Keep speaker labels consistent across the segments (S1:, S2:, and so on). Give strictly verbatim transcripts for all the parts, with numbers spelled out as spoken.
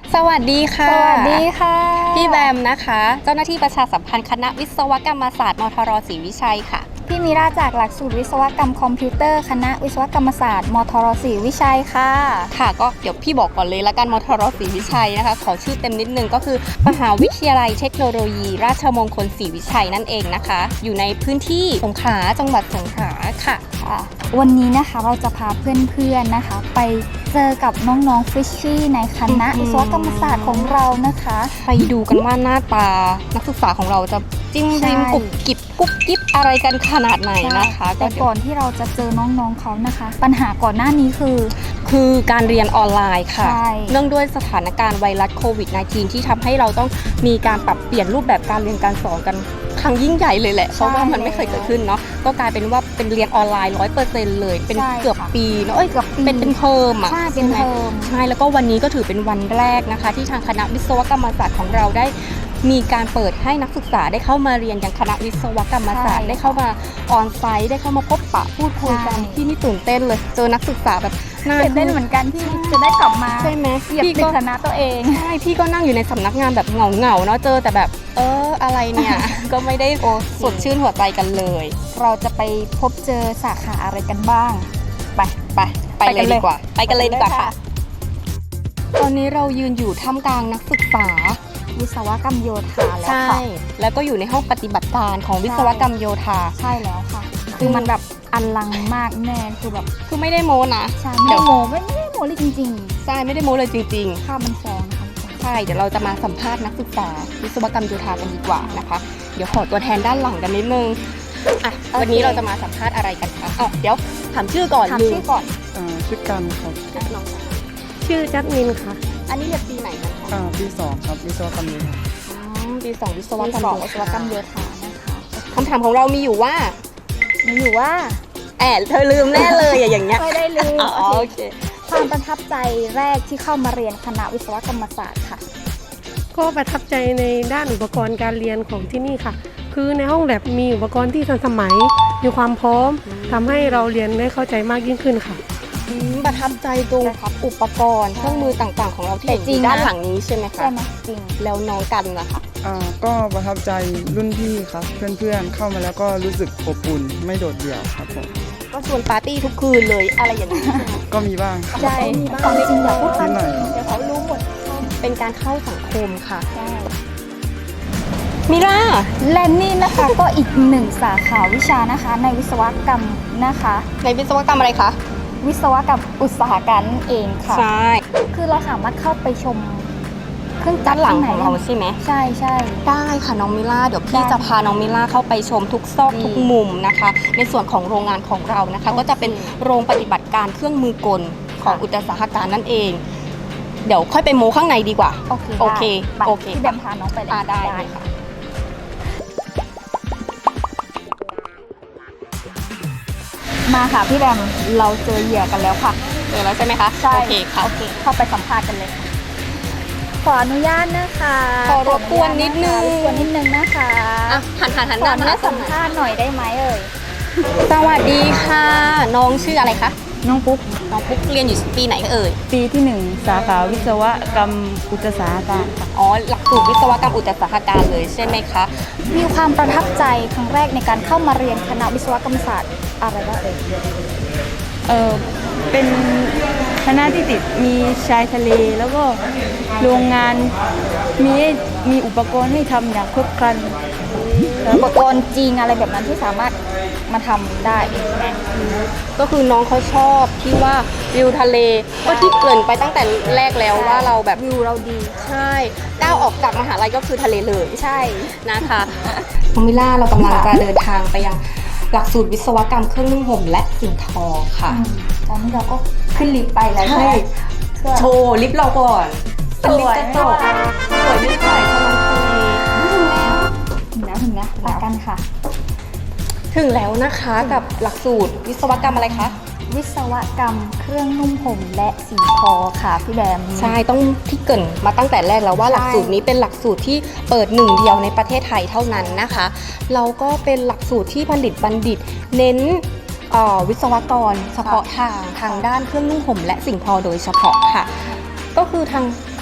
S1: สวัสดีค่ะ
S2: สวัสดีค่ะ
S1: พี่แบมนะคะเจ้าหน้าที่ประชาสัมพันธ์คณะวิศวกรรมศาสตร์มทรศรีวิชัยค่ะ
S2: พี่มิราจากหลักสูตรวิศวกรรมคอมพิวเตอร์คณะวิศวกรรมศาสตร์มทรศรีวิชัยค่ะ
S1: ค่ะก็เดี๋ยวพี่บอกก่อนเลยละกันมทรศรีวิชัยนะคะขอชื่อเต็มนิดนึงก็คือมหาวิทยาลัยเทคโนโลยีราชมงคลศรีวิชัยนั่นเองนะคะอยู่ในพื้นที่สงขลาจังหวัดสงขลาค่ะ
S2: ค่ะวันนี้นะคะเราจะพาเพื่อนๆนะคะไปเจอกับน้องๆฟิชชี่ในคณะวิศวกรรมศาสตร์ของเรานะคะ
S1: ไปดูกันว่าหน้าตานักศึกษาของเราจะจิ้มริมกุบกิบกุบกิบอะไรกันขนาดไหนนะคะ
S2: แต่ก่อนที่เราจะเจอน้องๆเขานะคะปัญหาก่อนหน้านี้คือ
S1: คือการเรียนออนไลน์ค่ะ
S2: ใช่
S1: เนื่องด้วยสถานการณ์ไวรัสโควิด สิบเก้า ที่ทำให้เราต้องมีการปรับเปลี่ยนรูปแบบการเรียนการสอนกันครั้งยิ่งใหญ่เลยแหละเพราะว่ามันไม่เคยเกิดขึ้นเนาะก็กลายเป็นว่าเป็นเรียนออนไลน์ ร้อยเปอร์เซ็นต์ เลยเป็นเกือบปีเนาะเอ้ยเกือบเป็นเป็นเทอมอ่ะ
S2: ใช่เป็นเทอม
S1: ใช่แล้วก็วันนี้ก็ถือเป็นวันแรกนะคะที่ทางคณะวิศวกรรมศาสตร์ของเราได้มีการเปิดให้นักศึกษาได้เข้ามาเรียนอย่างคณะวิศวกรรมศาสตร์ได้เข้ามาออนไซต์ได้เข้ามาพบปะพูดคุยกันที่นี่ตื่นเต้นเลยเจอนักศึกษาแบบน่า
S2: ตื่นเต้นเหมือนกันที่จะได้กลับมา
S1: ใช่ไหม
S2: เหยียบติดคณะตัวเอง
S1: ใช่พี่ก็นั่งอยู่ในสำนักงานแบบเหงาเหงาเนาะเจอแต่แบบเอออะไรเนี่ย ก็ไม่ได้สดชื่นหัวใจกันเลย
S2: เราจะไปพบเจอสาขาอะไรกันบ้าง
S1: ไปไปไปเลยดีกว่าไปกันเลยดีกว่าค่ะตอนนี้เรายืนอยู่ท่ามกลางนักศึกษา
S2: วิศวกรรมโยธาแล้วค่ะ
S1: ใช่แล้วก็อยู่ในห้องปฏิบัติการของวิศวกรรมโยธา
S2: ใช่แล้วค่ะคือมันแบบอลังมากแน่คือแบบ
S1: คือไม่ได้โม้นะ
S2: ใช่ไม่ได้โม้ไม่ได้โม้เลยจริง
S1: ๆใช่ไม่ได้โม้เลยจริง
S2: ๆภาพมันฟ้องนะคะ
S1: ใช่เดี๋ยวเราจะมาสัมภาษณ์นักศึกษาวิศวกรรมโยธากันดีกว่านะคะเดี๋ยวขอตัวแทนด้านหลังกันนิดนึงอ่ะวันนี้เราจะมาสัมภาษณ์อะไรกันคะอ๋อเดี๋ยวถามชื่อก่อน
S2: ถามชื่อก่อน
S3: อ่าชื่อกันครับ
S1: ชื่อจัสมินค่ะอันนี้เรียนปีไหนกันคะ
S3: อ่าปีสองครับวิศวกรรมโยธา
S1: ปีสองวิศวกรรม
S2: วิศวกรรมโยธานะคะ
S1: คำถามของเรามีอยู่ว่า
S2: มีอยู่ว่า
S1: แอบเธอลืมแน่เลยอย่างเงี้ย
S2: ไม่ได้ลืม
S1: อ๋อโอเค
S2: ความประทับใจแรกที่เข้ามาเรียนคณะวิศวกรรมศาสตร์ค่ะ
S4: ก็ประทับใจในด้านอุปกรณ์การเรียนของที่นี่ค่ะคือในห้องแลบมีอุปกรณ์ที่ทันสมัยมีความพร้อมทำให้เราเรียนได้เข้าใจมากยิ่งขึ้นค่ะ
S1: ประทับใจตรงอุปกรณ์เครื่องมือต่างๆของเราที่อยู่ด้านหลังนี้ใช่ไหมคะ
S2: ใช่ไหมจริง
S1: แล้วน้องกันนะคะ
S3: อ่าก็ประทับใจรุ่นพี่ครับเพื่อนๆเข้ามาแล้วก็รู้สึกอบอุ่นไม่โดดเดี่ยวครับผม
S1: ก็ชวนปาร์ตี้ทุกคืนเลยอะไรอย่างนี้
S3: ก็มีบ้าง
S2: ใช่มีบ้างจริงๆอย่าพูดความจริงเดี๋ยวเขารู้หมด
S1: เป็นการเข้าสังคมค่ะใช่มิรา
S2: และนี่นะคะก็อีกหนึ่งสาขาวิชานะคะในวิศวกรรมนะคะ
S1: ในวิศวกรรมอะไรคะ
S2: วิศวกรรมอุตสาหกรรมเองค่ะ
S1: ใช่
S2: คือเราสามารถเข้าไปชมเครื่องจั
S1: กรหลังของเราใช่ไหม
S2: ใช่ใช่
S1: ได้ค่ะน้องมิล่าเดี๋ยวพี่จะพาน้องมิล่าเข้าไปชมทุกซอกทุกมุมนะคะในส่วนของโรงงานของเรานะคะก็จะเป็นโรงปฏิบัติการเครื่องมือกลของอุตสาหการนั่นเองเดี๋ยวค่อยไปโม้ข้างในดีกว่า
S2: โอเค
S1: โอเคโอเค
S2: พี่แบมพาน้องไปเลย
S1: ได้ค่ะ
S2: มาค่ะพี่แบมเราเจอเหยื่อกันแล้วค่ะ
S1: เจอแล้วใช่ไหมคะ
S2: ใช่
S1: โอเคค่ะ
S2: โอเคเข้าไปสัมภาษณ์กันเลยขออนุญาตนะคะ
S1: ขอรบกวนนิดนึง
S2: รบกวนนิดนึงนะคะ
S1: หันหันหัน
S2: ขออนุญาตสัมภาษณ์หน่อยได้ไหมเอ่ย
S1: สวัสดีค่ะน้องชื่ออะไรคะ
S5: น้องปุ๊ก
S1: น้องปุ๊กเรียนอยู่ปีไหนเอ่ย
S5: ปีที่หนึ่งสาขาวิศวกรรมอุตสาหการค่ะ
S1: อ๋อหลักสูตรวิศวกรรมอุตสาหการเลยใช่ไหมคะ
S2: มีความประทับใจครั้งแรกในการเข้ามาเรียนคณะวิศวกรรมศาสตร์อะไรบ้างเอ่ย
S5: เออเป็นคณะที่ติดมีชายทะเลแล้วก็โรงงานมีมีอุปกรณ์ให้ทำอย่างครบครัน
S2: อุปกรณ์จริงอะไรแบบนั้นที่สามารถมาทำได้ใช่ไหม
S1: ก็คือน้องเขาชอบที่ว่าวิวทะเลก็ที่เกริ่นไปตั้งแต่แรกแล้วว่าเราแบบ
S2: วิวเราดี
S1: ใช่ก้าวออกจากมหาลัยก็คือทะเลเลย
S2: ใช่
S1: นะคะน้องมิล่าเรากำลังจะเดินทางไปยังหลักสูตรวิศวกรรมเครื่องนึ่งห่มและสิ่งทอค่ะ
S2: ตอนนี้เราก็ขึ้นลิฟต์ไปแล้ว
S1: ใช่โชว์ลิฟต์เราก่อน
S2: สวย
S1: สวยสวยไม่ใช่ขนม
S2: ถึงแล้วถึงแล้วรักกันค่ะ
S1: ถึงแล้วนะคะกับหลักสูตรวิศวกรรมอะไรคะ
S2: วิศวกรรมเครื่องนุ่มห่มและสีทอค่ะพี่แบม
S1: ใช่ต้องที่เกินมาตั้งแต่แรกแล้วว่าหลักสูตรนี้เป็นหลักสูตรที่เปิดหนึ่งเดียวในประเทศไทยเท่านั้นนะคะเราก็เป็นหลักสูตรที่ผลิตบัณฑิตเน้นวิศวกรเฉพาะทางทางด้านเครื่องนุ่งห่มและสิ่งทอโดยเฉพาะค่ะก็คือทาง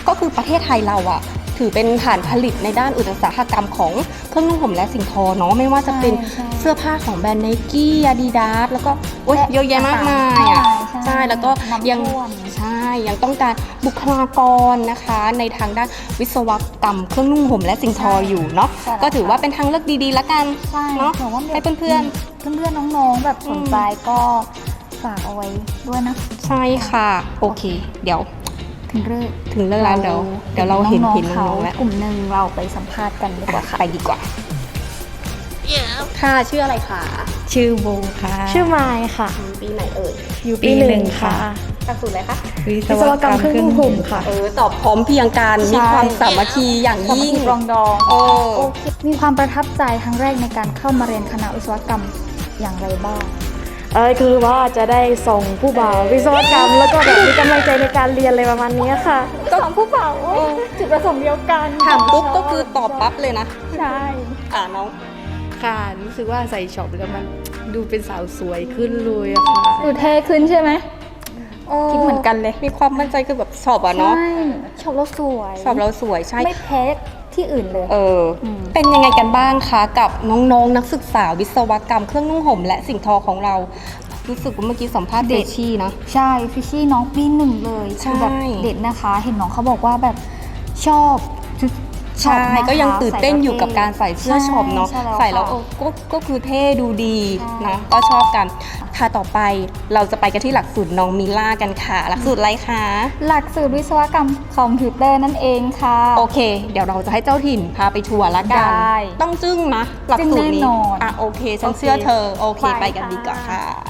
S1: ก็คือประเทศไทยเราอะถือเป็นฐานผลิตในด้านอุตสาหกรรมของเครื่องนุ่งห่มและสิ่งทอเนาะไม่ว่าจะเป็น
S2: ใช่
S1: เสื้อผ้าของแบรนด์ไนกี้อาดิดาสแล้วก็โอ๊ย
S2: และ
S1: เยอะแยะมากมายอะ
S2: ใช่
S1: ใช่แล้วก็
S2: น้ำ
S1: ยัง
S2: ท่วม
S1: ใช่ยังต้องการบุคลากรนะคะ ในทางด้านวิศวกรรมเครื่องนุ่งห่มและสิ่งทออยู่เนาะ
S2: ใช่
S1: ก็ถือว่าเป็นทางเลือกดีๆละกัน
S2: ใช่
S1: เนาะ
S2: หนูว่า
S1: ให้เพื่อน
S2: ๆเพื่อนๆน้องๆแบบสนใจก็ฝากเอาไว้ด้วยนะ
S1: ๆใช่ค่ะโอเค เดี๋ยว
S2: ถึงเรื่อง
S1: ถึงเรื่องราวเดี๋ยวเดี๋ยวเราเห็น
S2: องๆ
S1: เห็นน้
S2: เขา
S1: องๆแล้ว
S2: กลุ่มหนึ่งเราไปสัมภาษณ์กันดีกว่าค่ะ
S1: ไปดีกว่าค่ะชื่ออะไรคะ
S5: ชื่อโบค่ะ
S6: ชื่อไมายค่ะ
S1: ปีไหนเอ่ย
S6: อยู่ปีหนึ่งค่ะ
S1: หลักสูตรอะไรคะ
S6: วิศวกรรมเครื่องนุ่งห่มค่ะ
S1: เออตอบพร้อมเพรียงกันมีความสามัคคีอย่าง
S2: สามัค
S1: ยิ่ง
S2: คีปรองดอง
S1: เออ
S2: โอเคมีความประทับใจครั้งแรกในการเข้ามาเรียนคณะวิศวกรรมอย่างไรบ้าง
S6: เออคือว่าจะได้ส่งผู้บ่าววิศวกรรม แล้วก็แบบมีกำลังใจในการเรียนอะไรประมาณนี้ค่ะ
S2: ก็ของผู้เป่าจุดประสงค์เดียวกัน
S1: ถามปุ๊บก็คือตอบปั๊บเลยนะ
S2: ใช่
S1: อ่าน้อง
S5: ค่ะรู้สึกว่าใส่ช็อปแล้วมันดูเป็นสาวสวยขึ้นเลยอะค่ะ
S2: ดูเท่ขึ้นใช่ไหมคิดเหมือนกันเลย
S1: มีความมั่นใจคือแบบสอบอะเนาะ
S2: ใช่ชอบเราสวย
S1: สอบเราสวยใช่
S2: ไม่แพ้ที่อื่นเลย
S1: เอออ
S2: ม
S1: เป็นยังไงกันบ้างคะกับน้องๆนักศึกษาวิศวกรรมเครื่องนุ่งห่มและสิ่งทอของเรา รู้สึกว่าเมื่อกี้สัมภาษณ์เดชี่นะ
S2: ใช่ฟิชชี่น้องปีหนึ่งเลย
S1: ใช่
S2: คือแบบเด็ดนะคะ เห็นน้องเขาบอกว่าแบบชอบชุดช็อ
S1: ใช่
S2: ปนะคะ
S1: ก็ยังตื่นเต้นอยู่กับการใส่เสื้อช็อปเนาะ
S2: ใช่แล้ว
S1: ใส่แล้ว
S2: ค่ะ
S1: เออก็ก็คือเท่ดูดี
S2: ใช่
S1: นะก็ชอบกันค่ะต่อไปเราจะไปกันที่หลักสูตรน้องมิล่ากันค่ะ หลักสูตรอะไรคะ
S2: หลักสูตรวิศวกรรมคอมพิวเตอร์นั่นเองค่ะ
S1: โอเค เดี๋ยวเราจะให้เจ้าถิ่นพาไปทัวร์ละกัน
S2: ได้
S1: ต้องจึ้งนะหลักสูตร
S2: จึ้ง
S1: นี้
S2: แน่นอน
S1: อ่ะโอเคฉันเชื่อเธอโอเค
S2: ไป
S1: ไปกันดีกว่า
S2: ค่ะ
S1: ค่ะ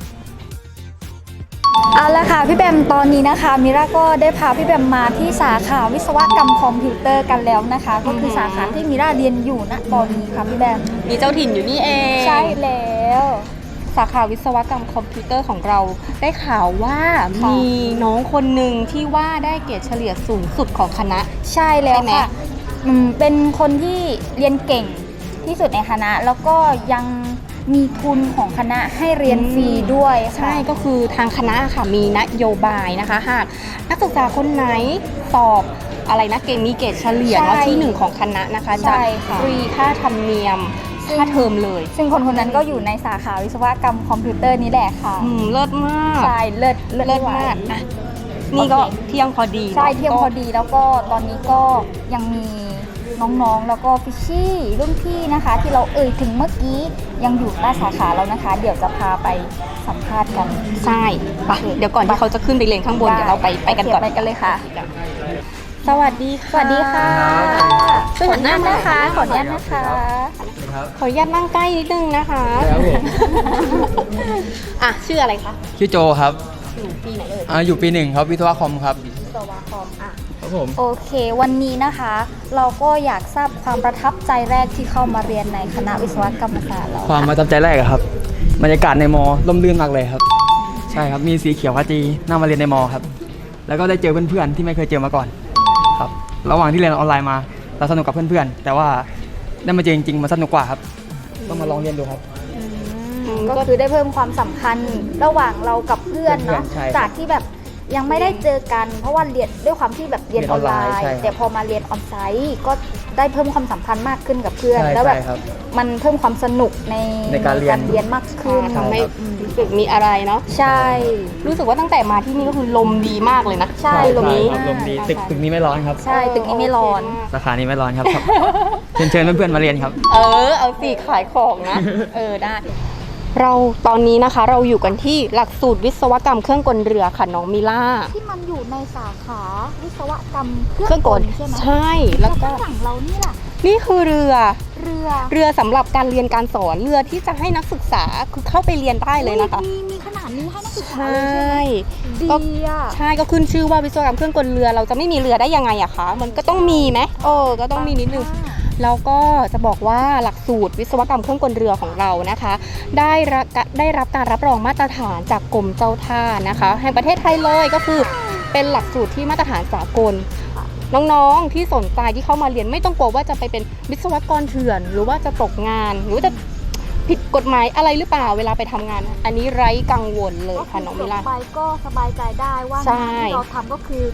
S2: เอาละค่ะพี่แบมตอนนี้นะคะมิราก็ได้พาพี่แบมมาที่สาขาวิศวกรรมคอมพิวเตอร์กันแล้วนะคะ ก็คือสาขาที่มิราเรียนอยู่ณตอนนี้ค่ะพี่แบม
S1: มีเจ้าถิ่นอยู่นี่เอง
S2: ใช่แล้ว
S1: สาขาวิศวกรรมคอมพิวเตอร์ของเราได้ข่าวว่า
S2: ค่ะ
S1: มีน้องคนหนึ่งที่ว่าได้เกรดเฉลี่ยสูงสุดของคณะ
S2: ใช่แล้ว
S1: ใช่ไหม
S2: ค่ะอืมเป็นคนที่เรียนเก่งที่สุดในคณะ แล้วก็ยังมีทุนของคณะให้เรียนฟรีด้วยค่ะ
S1: ใช่ก็คือทางคณะค่ะมีนโยบายนะคะหากนักศึกษาคนไหนสอบอะไรนะเกณฑ์มีเกรดเฉลี่ยเนาะ
S2: ใช่
S1: ที่หนึ่งของคณะนะคะ
S2: ใช่
S1: จะ
S2: ค่ะ
S1: ฟรีค่าธรรมเนียมค่าเทอมเลย
S2: ซึ่งคนคนนั้นก็อยู่ในสาขาวิศวกรรมคอมพิวเตอร์นี้แหละค่ะ
S1: อืมเลิศมาก
S2: ใช่เลิศ
S1: เลิศ
S2: ไไหว
S1: มากอ่ะนี่ก็
S2: โอเค
S1: เที่ยงพอดี
S2: ใช่
S1: นาะ
S2: เที่ยงพอดีแล้วก็ตอนนี้ก็ยังมีน้องๆ แล้วก็ฟิชชี่รุ่นพี่นะคะ ที่เราเอ่ยถึงเมื่อกี้ยังอยู่ใต้สาขาเรานะคะ เดี๋ยวจะพาไปสัมภาษณ์กัน
S1: ใช่ไปเดี๋ยวก่อนที่เขาจะขึ้นไปเรียนข้างบนเดี๋ยวเราไปไปกันก่อน
S2: โเคไปกันเลยค่ะ
S1: สวัสดีค่ะ
S2: สวัสดีค่ะ
S1: ช่วยหันหน้า
S2: นะคะ ขออนุญาต
S1: นะ
S2: นะคะ
S1: ขออนุญาตนั่งใกล้นิดนึงนะคะ
S7: ครับผม
S1: อ่ะชื่ออะไรคะ
S7: ชื่อโจครับ
S1: อยู่ปีไหนเอ่ย
S7: อ่าอยู่ปีหนึ่งครับวิศวะคอมครับ
S1: วิศวะคอมอ่ะ
S7: ครับผม
S2: โอเค วันนี้นะคะ เราก็อยากทราบความประทับใจแรกที่เข้ามาเรียนในคณะวิศวกรรมศาสตร์เรา
S7: ความประทับใจแรกอะครับบรรยากาศในมอร่มรื่นมากเลยครับ ใช่ครับมีสีเขียวขจีน่ามาเรียนในมอครับ แล้วก็ได้เจอเพื่อนๆที่ไม่เคยเจอมาก่อนครับระหว่างที่เรียนออนไลน์มาเราสนุกกับเพื่อนๆ แต่ว่าได้มาเจอจริงๆมันสนุกกว่าครับต้องมาลองเรียนดูครับ
S2: ก็คือได้เพิ่มความสัมพันธ์ระหว่างเรากับเพื่อนเนาะ
S7: ใช่ครับ
S2: จากที่แบบยังไม่ได้เจอกัน เพราะว่าเรียนด้วยความที่แบบเรียนออนไล
S7: เรียนออนไลน์
S2: น์
S7: ใช่ครับ
S2: แต่พอมาเรียนออนไซต์ก็ได้เพิ่มความสัมพันธ์มากขึ้นกับเพื่อน
S7: ใช่
S2: แล้วแบบ
S7: ใช่ครับ
S2: มันเพิ่มความสนุกใน
S7: ในการเรียน
S2: เรียนมากขึ้น
S1: ทำให้รู้สึกมีอะไรเนาะ
S2: ใช่
S1: รู้สึกว่าตั้งแต่มาที่นี่ก็คือลมดีมากเลยนะ
S2: ใช่
S1: ลมนี้
S7: ครับลมดีตึกตึกนี้ไม่ร้อนครับ
S2: ใช่ตึกนี้ไม่ร้อน
S7: สาขานี้ไม่ร้อนครับครับเชิญเชิญเพื่อนๆมาเรียนครับ
S1: เออ เอาสิขายของนะ เออได้ เราตอนนี้นะคะเราอยู่กันที่หลักสูตรวิศวกรรมเครื่องกลเรือค่ะน้องมิล่า
S2: ที่มันอยู่ในสาขาวิศวกรรม
S1: เครื่องกล
S2: ใช่ไหม
S1: ใช่แล้วก็
S2: ข้างหลังเรานี่ล่ะ
S1: นี่คือเรือ
S2: เรือ
S1: เรือสำหรับการเรียนการสอนเรือที่จะให้นักศึกษาคือเข้าไปเรียนได้เลยนะคะ
S2: มีมีขนาดนี้ให้นักศึก
S1: ใช
S2: ษาเลยใช่ไหม่
S1: ก็
S2: ดีอ่ะ
S1: ใช่ก็ขึ้นชื่อว่าวิศวกรรมเครื่องกลเรือเราจะไม่มีเรือได้ยังไงอะคะมันก็ต้องมีไหมเออก็ต้องมีนิดนึง แล้วก็จะบอกว่าหลักสูตรวิศวกรรมเครื่องกลเรือของเรานะคะ ได้รับได้รับการรับรองมาตรฐานจากกรมเจ้าท่านะคะ แห่งประเทศไทยเลยก็คือเป็นหลักสูตรที่มาตรฐานสากล น้องๆที่สนใจที่เข้ามาเรียนไม่ต้องกลัวว่าจะไปเป็นวิศวกรเถื่อน หรือว่าจะตกงาน หรือว่าจะผิดกฎหมายอะไรหรือเปล่าเวลาไปทำงาน อันนี้ไร้กังวลเลยค่ะน้องมิลา
S2: ไปก็สบายใจได้ว่า
S1: ใช่
S2: งานที่เราทำก็คือ
S1: ใ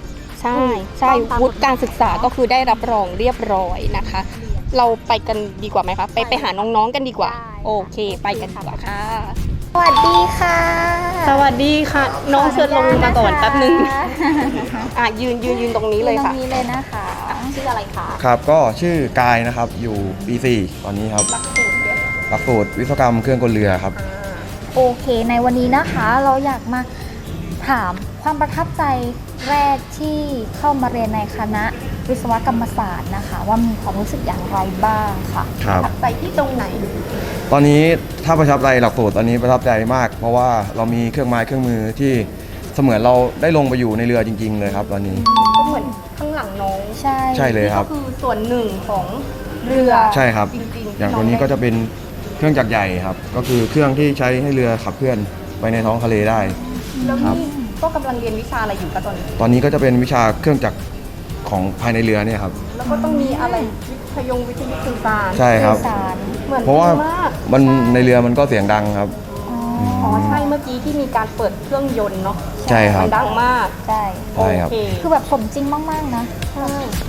S1: ใช่ใช่
S2: ต้องตาม
S1: วุฒิการศึกษาก็คือได้รับรองเรียบร้อยนะคะ เราไปกันดีกว่าไหมคะไปไปหาน้องๆกันดีกว่า โอเคไปกันดีกว่าค่ะ
S2: สวัสดีค่ะ
S1: สวัสดีค่ะ น้องเชิญลงมาก่อนแป๊บนึง
S2: ขออนุญาตนะคะ
S1: อ่ะยืนยืนยืนตรงนี้เลยค่ะ
S2: ตรงนี้เลยนะคะ
S1: ชื่ออะไรคะ
S8: ครับก็ชื่อกายนะครับอยู่ปีสี่ตอนนี้ครับหลักสูตรวิศวกรรมเครื่องกลเรือครับ
S2: โอเค ในวันนี้นะคะเราอยากมาถามความประทับใจแรกที่เข้ามาเรียนในคณะวิศวกรรมศาสตร์นะคะ ว่ามีความรู้สึกอย่างไรบ้างค่ะ
S8: ครับ
S1: ไปที่ตรงไหน
S8: ตอนนี้ถ้าประทับใจหลักสูตรตอนนี้ประทับใจมาก เพราะว่าเรามีเครื่องไม้เครื่องมือที่เสมือนเราได้ลงไปอยู่ในเรือจริง ๆ เลยครับ ตอนนี้
S1: ก็เหมือนข้างหลังน้อง
S2: ใช่
S8: ใช่เลยครับ
S1: ก็คือส่วนหนึ่งของเรือ
S8: ใช่ครับ
S1: จริงๆ
S8: อย่างตัวนี้ก็จะเป็นเครื่องจักรใหญ่ครับ ก็คือเครื่องที่ใช้ให้เรือขับเคลื่อนไปในท้องทะเลได้
S1: แล้ว
S8: ครับ
S1: นี่ก็กำลังเรียนวิชาอะไรอยู่คะตอนนี้
S8: ตอนนี้ก็จะเป็นวิชาเครื่องจักรของภายในเรือเนี่ยครับ
S1: แล้วก็ต้องมีอะไรวิทยงวิทยุสื่อสาร
S8: ใช่ครับ
S2: สื่อสาร
S1: เหมือน
S8: เพราะว่า
S1: ดีมาก
S8: มันในเรือมันก็เสียงดังครับ
S1: อ๋อใช่เมื่อกี้ที่มีการเปิดเครื่องยนต์เนาะ
S8: ใช่ครับ
S1: มันดังมาก
S2: ใช่
S8: ใช่ครับ
S1: โอเค
S2: คือแบบสมจริงมาก ๆ นะ
S1: ใช่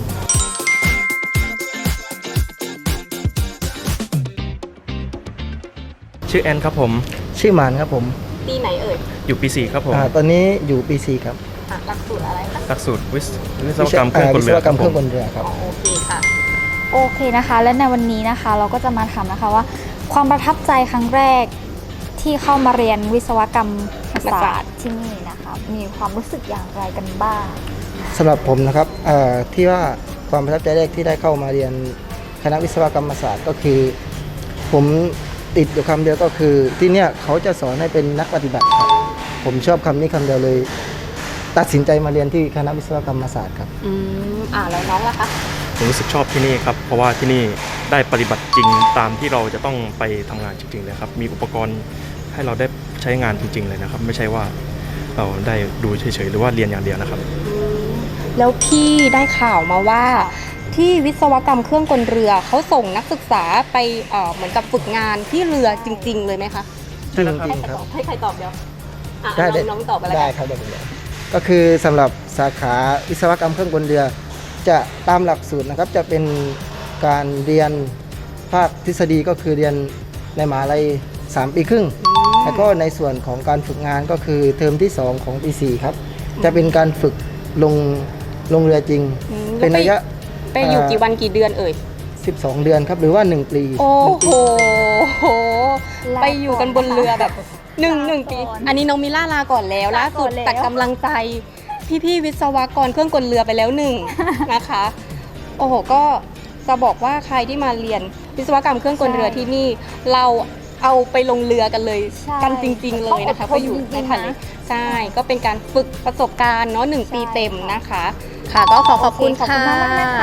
S9: ชื่อแอนครับผม
S10: ชื่อหมานครับผม
S1: ปีไหนเอ่ย
S9: อยู่ปีสี่ครับผม
S10: อ่าตอนนี้อยู่ปีสี่ครับ
S1: อ่ะหลักสูตรอะไรคะ
S9: หลักสูตรวิศวิศวกรรมเครื่องกล
S10: วิศ
S9: เรือ
S10: วกรรม
S9: ค
S10: เค
S9: รั
S10: รื่
S9: บ
S10: อง
S9: ผ
S10: ก
S9: ม
S10: ลเรือครับ
S1: อ๋อโอเคค่ะ
S2: โอเคนะคะ และในวันนี้นะคะ เราก็จะมาถามนะคะว่า ความประทับใจครั้งแรกที่เข้ามาเรียนวิศวกรรมศาสตร์ที่นี่นะคะ มีความรู้สึกอย่างไรกันบ้าง
S10: สำหรับผมนะครับเอ่อที่ว่าความประทับใจแรกที่ได้เข้ามาเรียนคณะวิศวกรรมศาสตร์ก็คือ ผมติดอยู่คำเดียวก็คือที่เนี่ยเขาจะสอนให้เป็นนักปฏิบัติครับผมชอบคำนี้คำเดียวเลย ตัดสินใจมาเรียนที่คณะวิศวกรรมศาสตร์ครับ
S1: อืมอ่าแล้วน้องล่ะคะ
S9: ผมรู้สึกชอบที่นี่ครับ เพราะว่าที่นี่ได้ปฏิบัติจริงตามที่เราจะต้องไปทำงานจริงๆเลยครับ มีอุปกรณ์ให้เราได้ใช้งานจริง ๆ เลยนะครับ ไม่ใช่ว่าเราได้ดูเฉยๆหรือว่าเรียนอย่างเดียวนะครับ
S1: แล้วพี่ได้ข่าวมาว่าที่วิศวกรรมเครื่องกลเรือเขาส่งนักศึกษาไปเอ่อเหมือนกับฝึกงานที่เรือจริง ๆ เลยไหมคะ
S10: จริงจริงครับ
S1: ให้ใครตอบเดี๋ยวอ่ะ
S10: ได้
S1: น้องน้องตอบอะไร
S10: ได้ครับได้เลยก็คือสำหรับสาขาวิศวกรรมเครื่องกลเรือ จะตามหลักสูตรนะครับจะเป็นการเรียนภาคทฤษฎีก็คือเรียนในมหาลัยสามปีครึ่ง แล้วก็ในส่วนของการฝึกงานก็คือเทอมที่สองของปีสี่ครับจะเป็นการฝึกลงลงเรือจริง
S1: อืม
S10: เป็นระยะ
S1: ไปอยู่กี่วันกี่เดือนเอ่ย
S10: สิบสอง เดือนครับหรือว่าหนึ่งปี
S1: โอ้
S10: หนึ่ง
S1: โห
S10: ปี
S2: ลา
S1: ไปอยู่กันบนเรือแบบหนึ่ง
S2: ลา
S1: หนึ่งปี
S2: ก่อน
S1: อันนี้น้องมิล่าลาก่อนแล้ว
S2: ลา
S1: ล่า
S2: ก่
S1: สุ
S2: อ
S1: ด
S2: นแล้ว
S1: ตัดกำลังใจพี่ๆวิศวกรเครื่องกลเรือไปแล้วหนึ่ง นะคะ โอ้โหก็จะบอกว่าใครที่มาเรียนวิศวกรรมเครื่องกลเรือที่นี่ เราเอาไปลงเรือกันเลย
S2: ใช่
S1: กันจริง ๆ เลยนะคะ
S2: ต้องอดทน
S1: ก็อยู่
S2: จริงๆ
S1: ในทะเล
S2: นะ
S1: ใช่ ก็เป็นการฝึกประสบการณ์เนาะหนึ่งปี
S2: ใช่
S1: เต็มนะคะ ค่ะก็ขอขอบคุณ
S2: ขอบ
S1: ค่ะ
S2: คุณมากๆนะคะ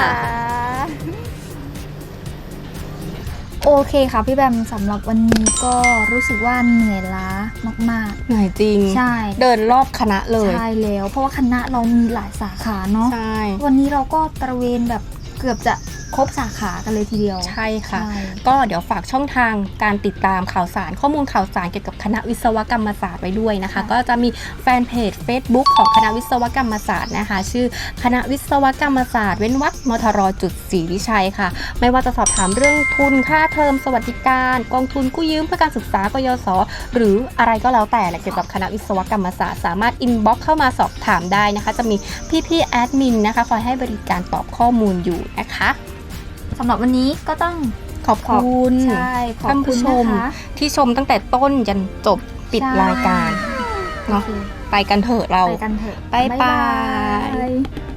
S2: โอเคค่ะพี่แบมสำหรับวันนี้ก็รู้สึกว่าเหนื่อยล้ามาก
S1: เหนื่อยจริง
S2: ๆ ใช่
S1: เดินรอบคณะเลย
S2: ใช่แล้ว เพราะว่าคณะเรามีหลายสาขาเนาะ
S1: ใช่
S2: วันนี้เราก็ตระเวนแบบเกือบจะครบสาขากันเลยทีเดียว
S1: ใช่ค่ะ
S2: ใช่
S1: ก็เดี๋ยวฝากช่องทางการติดตามข่าวสารข้อมูลข่าวสารเกี่ยวกับคณะวิศวกรรมศาสตร์ไว้ด้วยนะคะ ก็จะมีแฟนเพจ Facebook ของคณะวิศวกรรมศาสตร์นะคะ ชื่อคณะวิศวกรรมศาสตร์เว้นวรรคมทรจุดศรีวิชัยค่ะ ไม่ว่าจะสอบถามเรื่องทุนค่าเทอมสวัสดิการกองทุนกู้ยืมเพื่อการศึกษากยศหรืออะไรก็แล้วแต่แหละเกี่ยวกับคณะวิศวกรรมศาสตร์สามารถอินบ็อกเข้ามาสอบถามได้นะคะ จะมีพี่ๆแอดมินนะคะคอยให้บริการตอบข้อมูลอยู่นะคะ
S2: สำหรับวันนี้ก็ต้อง
S1: ขอบคุณ
S2: ใช่ขอบ
S1: ท่าน
S2: คุ
S1: ผู้
S2: ณ
S1: ชม
S2: นะคะ
S1: ที่ชมตั้งแต่ต้นจนจบปิด
S2: ใช่
S1: รายการเนาะ
S2: โอเค
S1: ไปกันเถอะเรา
S2: ไปกันเถอะ
S1: บ๊ายบาย
S2: บ๊ายบาย